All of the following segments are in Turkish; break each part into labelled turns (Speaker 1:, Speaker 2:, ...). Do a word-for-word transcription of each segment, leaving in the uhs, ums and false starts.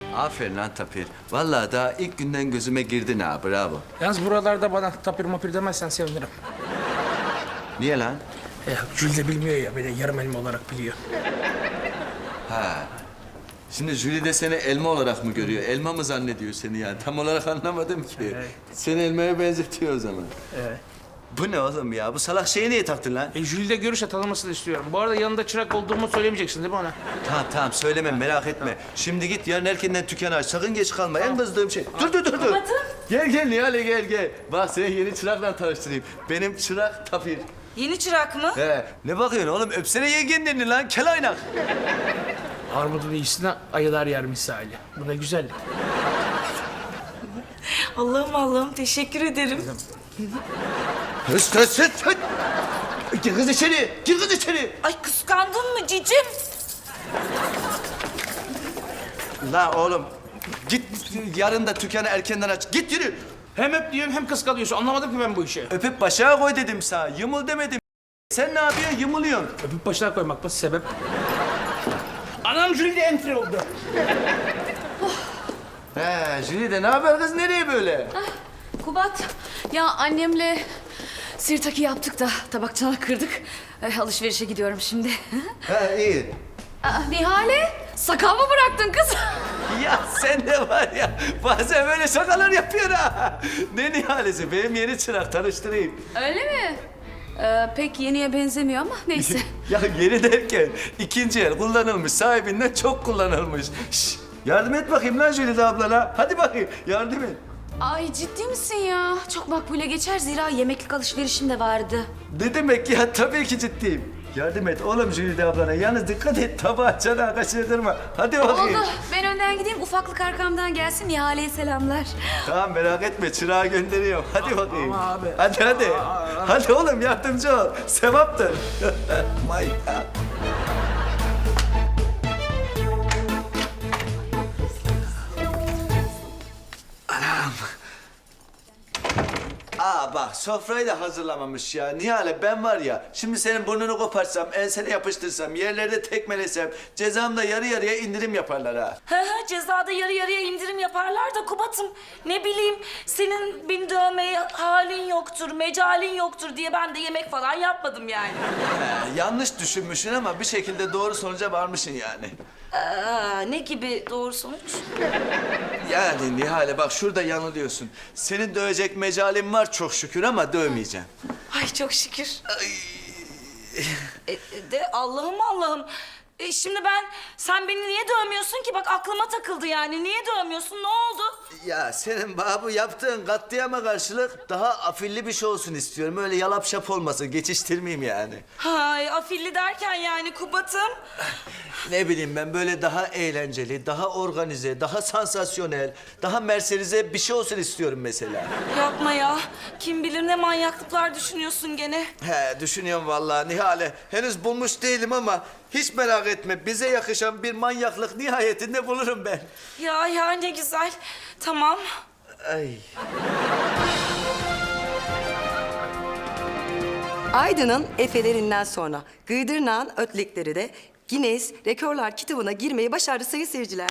Speaker 1: Aferin lan Tapir. Vallahi daha ilk günden gözüme girdin ha, bravo.
Speaker 2: Yalnız buralarda bana tapir mapir demezsen sevinirim.
Speaker 1: Niye lan?
Speaker 2: Ya Jül de bilmiyor ya, beni yarım elma olarak biliyor.
Speaker 1: Ha. Şimdi Jüli de seni elma olarak mı görüyor? Elma mı zannediyor seni yani? Tam olarak anlamadım ki.
Speaker 2: Evet.
Speaker 1: Seni elmaya benzetiyor o zaman.
Speaker 2: Evet.
Speaker 1: Bu ne oğlum ya? Bu salak şeyi niye taktın lan?
Speaker 2: E Jül'de görüşle tanımasını istiyorum. Bu arada yanında çırak olduğumu söylemeyeceksin değil mi ona?
Speaker 1: Tamam tamam söyleme, merak etme. Şimdi git yarın erkenden dükkanı aç. Sakın geç kalma. En kızdığım şey. Dur dur dur dur. Gel gel Nihale gel gel. Bak seni yeni çırakla tanıştırayım. Benim çırak Tapir.
Speaker 3: Yeni çırak mı?
Speaker 1: He. Ne bakıyorsun oğlum? Öpsene yengenin elini lan. Kel aynak.
Speaker 2: Armudun iyisine ayılar yer misali. Bu ne güzellik.
Speaker 3: Allah'ım Allah'ım teşekkür ederim.
Speaker 1: Hıs hıs hıs hıs. Gir kız içeri. Gir kız içeri.
Speaker 3: Ay kıskandın mı cicim?
Speaker 1: La oğlum. Git yarın da dükkanı erkenden aç. Git yürü.
Speaker 2: Hem öp diyorsun hem kıskanıyorsun. Anlamadım ki ben bu işi.
Speaker 1: Öpüp başa koy dedim sana. Yımıl demedim. Sen ne yapıyorsun? Yımılıyorsun.
Speaker 2: Öpüp başına koymak mı sebep? Anam Jül de entry oldu.
Speaker 1: He, Jülide ne haber kız? Nereye böyle?
Speaker 4: Kubat, ya annemle sirtaki yaptık da tabakçanak kırdık. Ay, alışverişe gidiyorum şimdi.
Speaker 1: He, iyi.
Speaker 4: Aa, Nihale, sakal mı bıraktın kız?
Speaker 1: Ya sen de var ya, bazen böyle şakalar yapıyorsun ha. Ne Nihalesi? Benim yeni çırak, tanıştırayım.
Speaker 4: Öyle mi? Ee, pek yeniye benzemiyor ama neyse.
Speaker 1: Ya yeni derken ikinci el kullanılmış, sahibinden çok kullanılmış. Şş, yardım et bakayım lan Jülide ablana. Hadi bakayım, yardım et.
Speaker 4: Ay ciddi misin ya? Çok makbule geçer, zira yemeklik alışverişim de vardı.
Speaker 1: Ne demek ya? Tabii ki ciddiyim. Yardım et oğlum Jülide ablana. Yalnız dikkat et, tabağı çanağı kaçırma. Hadi bakayım.
Speaker 4: Oldu, ben önden gideyim, ufaklık arkamdan gelsin, Nihale'ye selamlar.
Speaker 1: Tamam merak etme, çırağı gönderiyorum. Hadi bakayım.
Speaker 2: Ama abi.
Speaker 1: Hadi hadi. Hadi oğlum yardımcı ol. Sevaptır. My God. Anam. Aa bak sofrayı da hazırlamamış ya. Nihale ben var ya şimdi senin burnunu koparsam, ensene yapıştırsam, yerlerde tekmelesem cezamda yarı yarıya indirim yaparlar ha.
Speaker 3: Hı hı cezada yarı yarıya indirim yaparlar da Kubat'ım ne bileyim senin beni dövmeye halin yoktur, mecalin yoktur diye ben de yemek falan yapmadım yani.
Speaker 1: He, yanlış düşünmüşsün ama bir şekilde doğru sonuca varmışsın yani.
Speaker 3: Aa, ne gibi doğru sonuç?
Speaker 1: Yani Nihale bak şurada yanılıyorsun. Senin dövecek mecalim var çok şükür ama dövmeyeceğim.
Speaker 3: Ay çok şükür. E, e, de Allah'ım Allah'ım. E, şimdi ben, sen beni niye dövmüyorsun ki? Bak aklıma takıldı yani. Niye dövmüyorsun? Ne oldu?
Speaker 1: Ya senin babu yaptığın katliama karşılık daha afilli bir şey olsun istiyorum. Öyle yalap şap olmasın, geçiştirmeyeyim yani.
Speaker 3: Hay afilli derken yani Kubat'ım.
Speaker 1: Ne bileyim ben böyle daha eğlenceli, daha organize, daha sansasyonel, daha merserize bir şey olsun istiyorum mesela.
Speaker 3: Yapma ya. Kim bilir ne manyaklıklar düşünüyorsun gene.
Speaker 1: He düşünüyorum vallahi Nihale. Henüz bulmuş değilim ama hiç merak etme. Bize yakışan bir manyaklık nihayetinde bulurum ben.
Speaker 3: Ya ya ne güzel. Tamam.
Speaker 1: Ay.
Speaker 5: Aydın'ın efelerinden sonra Gıydırnağ'ın ötлекleri de Guinness Rekorlar kitabına girmeyi başardı sayın seyirciler.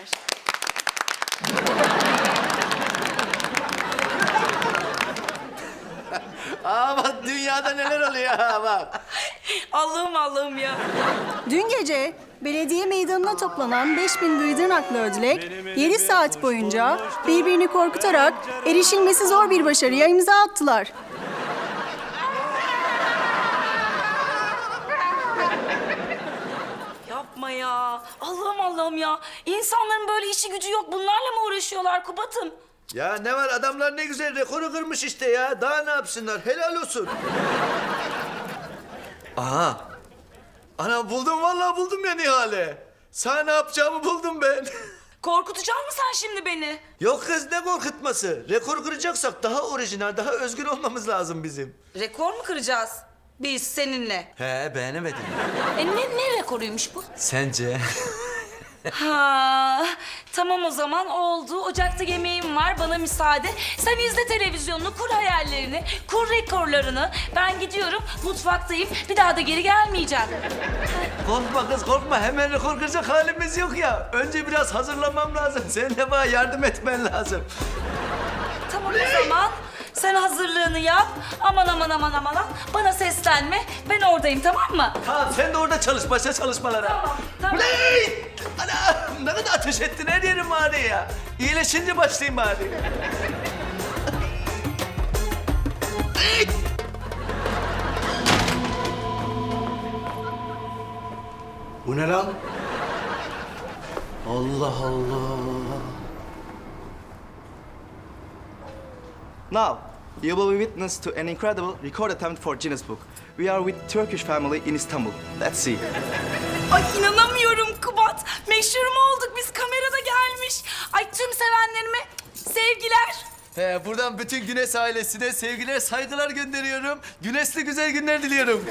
Speaker 1: Aa bak dünyada neler oluyor ha bak.
Speaker 3: Allah'ım Allah'ım ya.
Speaker 6: Dün gece belediye meydanına toplanan beş bin Gıydırnaklı ödülek yedi saat boyunca birbirini korkutarak erişilmesi zor bir başarıya imza attılar.
Speaker 3: Yapma ya. Allah'ım Allah'ım ya. İnsanların böyle işi gücü yok. Bunlarla mı uğraşıyorlar Kubat'ım?
Speaker 1: Ya ne var adamlar ne güzel rekoru kırmış işte ya. Daha ne yapsınlar helal olsun. Aha. Ana buldum vallahi buldum ya Nihale. Sana ne yapacağımı buldum ben.
Speaker 3: Korkutacak mısın sen şimdi beni?
Speaker 1: Yok kız ne korkutması. Rekor kıracaksak daha orijinal, daha özgür olmamız lazım bizim.
Speaker 3: Rekor mu kıracağız? Biz seninle.
Speaker 1: He beğenemedim.
Speaker 3: E ne, ne rekoruymuş bu?
Speaker 1: Sence?
Speaker 3: Ha, tamam o zaman oldu. Ocakta yemeğim var, bana müsaade. Sen izle televizyonunu, kur hayallerini, kur rekorlarını. Ben gidiyorum, mutfaktayım. Bir daha da geri gelmeyeceğim.
Speaker 1: Korkma kız korkma. Hemen rekor kıracak halimiz yok ya. Önce biraz hazırlanmam lazım. Senin de bana yardım etmen lazım.
Speaker 3: Tamam o zaman. Sen hazırlığını yap. Aman aman aman aman. Bana seslenme. Ben oradayım, tamam mı?
Speaker 1: Tamam sen de orada çalış. Başla çalışmalara.
Speaker 3: Tamam, tamam.
Speaker 1: Uley! Ana! Ne kadar ateş ettin her yerim ağrıyor ya. İyileşince başlayayım bari.
Speaker 7: Bu ne lan? Allah Allah.
Speaker 8: Now, you will be witness to an incredible record attempt for Guinness Book. We are with Turkish family in Istanbul. Let's see.
Speaker 3: Ay inanamıyorum Kubat. Meşhur mu olduk biz, kamerada gelmiş. Ay tüm sevenlerime sevgiler.
Speaker 1: He, buradan bütün Güneş ailesine sevgiler, saygılar gönderiyorum. Güneşli güzel günler diliyorum.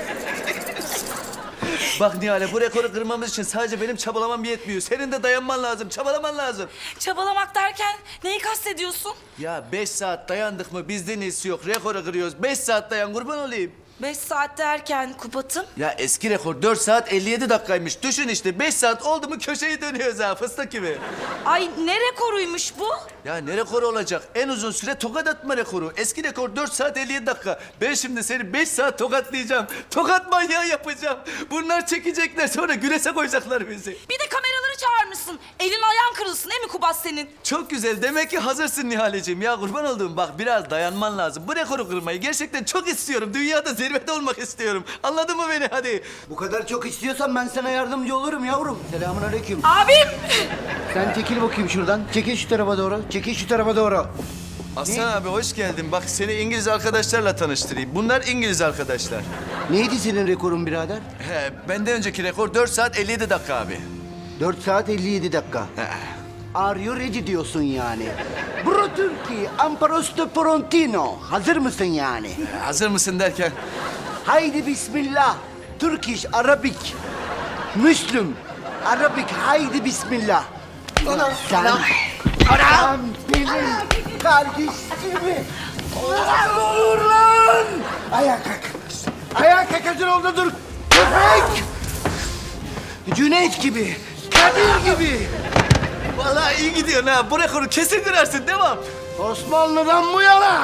Speaker 1: Bak Nihale, bu rekoru kırmamız için sadece benim çabalamam yetmiyor. Senin de dayanman lazım, çabalaman lazım.
Speaker 3: Çabalamak derken neyi kastediyorsun?
Speaker 1: Ya beş saat dayandık mı bizden iyisi yok. Rekoru kırıyoruz. Beş saat dayan, kurban olayım.
Speaker 3: Beş saat derken Kubat'ım.
Speaker 1: Ya eski rekor dört saat elli yedi dakikaymış. Düşün işte, beş saat oldu mu köşeyi dönüyoruz ha, fıstık gibi.
Speaker 3: Ay ne rekoruymuş bu?
Speaker 1: Ya ne rekoru olacak? En uzun süre tokat atma rekoru. Eski rekor dört saat elli yedi dakika. Ben şimdi seni beş saat tokatlayacağım. Tokat manyağı yapacağım. Bunlar çekecekler, sonra güneşe koyacaklar bizi.
Speaker 3: Bir de kameraları çağırmışsın. Elin ayağın kırılsın değil mi Kubat senin?
Speaker 1: Çok güzel. Demek ki hazırsın Nihaleciğim. Ya kurban olduğum, bak biraz dayanman lazım. Bu rekoru kırmayı gerçekten çok istiyorum. Dünyada zirvede olmak istiyorum. Anladın mı beni? Hadi.
Speaker 7: Bu kadar çok istiyorsan ben sana yardımcı olurum yavrum. Selamun aleyküm.
Speaker 3: Abim!
Speaker 7: Sen çekil bakayım şuradan. Çekil şu tarafa doğru. Çekil şu tarafa doğru.
Speaker 1: Aslan abi hoş geldin. Bak seni İngiliz arkadaşlarla tanıştırayım. Bunlar İngiliz arkadaşlar.
Speaker 7: Neydi senin rekorun birader?
Speaker 1: He, benden önceki rekor dört saat elli yedi dakika abi.
Speaker 7: dört saat elli yedi dakika. Are you ready diyorsun yani. Bro Türkiye, Amparosto Frontino. Hazır mısın yani?
Speaker 1: Hazır mısın derken?
Speaker 7: Haydi bismillah. Turkish, Arabik. Müslüm. Arabik, haydi bismillah. Sen, sen benim kardeşimi. Olur lan! Ayağa kalk. Ayağa kalk, hazır ol da dur. Köpek! Cüneyt gibi, Kadir gibi.
Speaker 1: Vallahi iyi gidiyorsun ha. Bu rekoru kesin kırarsın. Devam.
Speaker 7: Osmanlı'dan bu yana.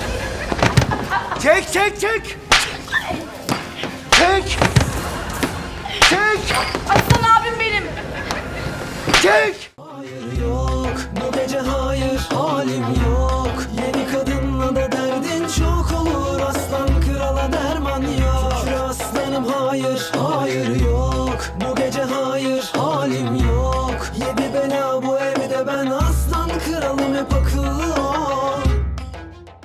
Speaker 7: Çek, çek, çek. Çek. Çek.
Speaker 3: Aslan abim benim.
Speaker 7: Çek.
Speaker 9: Hayır yok, bu gece hayır, halim yok. Yeni kadınla da derdin çok olur. Aslan krala derman yok. Şükür aslanım hayır, hayır yok. Bu gece hayır, halim yok. Yedi bela bu evde, ben aslan kralım, hep akıllı